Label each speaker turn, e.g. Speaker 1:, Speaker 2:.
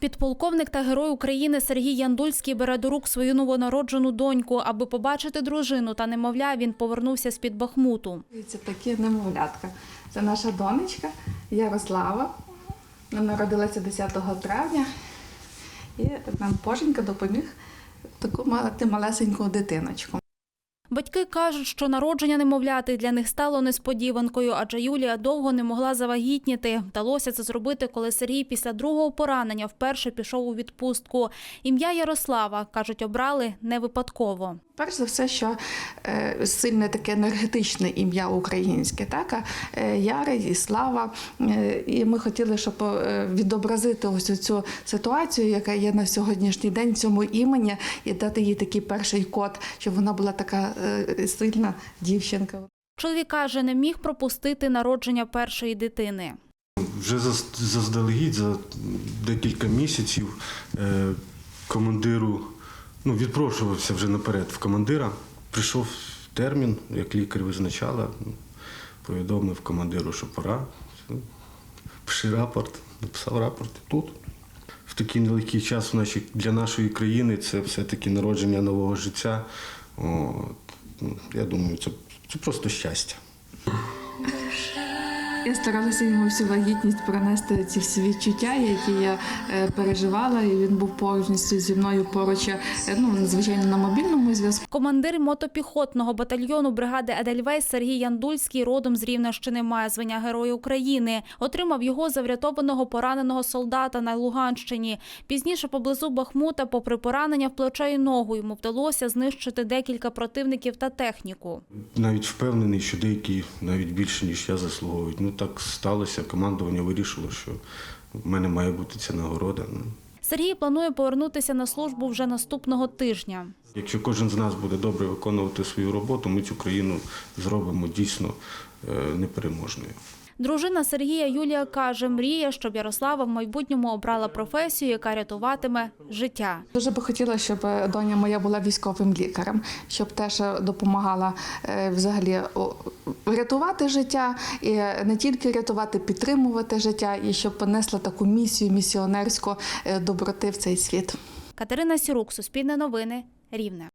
Speaker 1: Підполковник та герой України Сергій Яндульський бере до рук свою новонароджену доньку. Аби побачити дружину та немовля, він повернувся з-під Бахмуту.
Speaker 2: Це такі немовлятка. Це наша донечка Ярослава. Вона народилася 10 травня. І нам Боженька допоміг таку мати малесеньку дитиночку.
Speaker 1: Батьки кажуть, що народження немовляти для них стало несподіванкою, адже Юлія довго не могла завагітніти. Вдалося це зробити, коли Сергій після другого поранення вперше пішов у відпустку. Ім'я Ярослава, кажуть, обрали не випадково.
Speaker 2: Перш за все, що сильне таке енергетичне ім'я українське, так? Яра і Слава. І ми хотіли, щоб відобразити ось цю ситуацію, яка є на сьогоднішній день, цьому імені, і дати їй такий перший код, щоб вона була така сильна дівчинка.
Speaker 1: Чоловік каже, не міг пропустити народження першої дитини.
Speaker 3: Вже заздалегідь, за декілька місяців командиру, відпрошувався вже наперед в командира. Прийшов термін, як лікар визначала, повідомив командиру, що пора. Пиши рапорт, написав рапорт і тут. В такий нелегкий час для нашої країни це все-таки народження нового життя. Я думаю, це просто щастя.
Speaker 2: Я старалася йому всю вагітність пронести ці всі відчуття, які я переживала, і він був повністю зі мною поруч, звичайно, на мобільному зв'язку.
Speaker 1: Командир мотопіхотного батальйону бригади «Едельвейс» Сергій Яндульський родом з Рівненщини, має звання Героя України. Отримав його за врятованого пораненого солдата на Луганщині. Пізніше поблизу Бахмута, попри поранення в плече і ногу, йому вдалося знищити декілька противників та техніку.
Speaker 3: Навіть впевнений, що деякі навіть більше, ніж я, заслуговують. Так сталося, командування вирішило, що в мене має бути ця нагорода.
Speaker 1: Сергій планує повернутися на службу вже наступного тижня.
Speaker 3: Якщо кожен з нас буде добре виконувати свою роботу, ми цю країну зробимо дійсно непереможною.
Speaker 1: Дружина Сергія Юлія каже, мріє, щоб Ярослава в майбутньому обрала професію, яка рятуватиме життя.
Speaker 2: Дуже би хотіла, щоб доня моя була військовим лікарем, щоб теж допомагала взагалі рятувати життя, і не тільки рятувати, підтримувати життя, і щоб понесла таку місію місіонерську доброти в цей світ.
Speaker 1: Катерина Сірук, Суспільне новини, Рівне.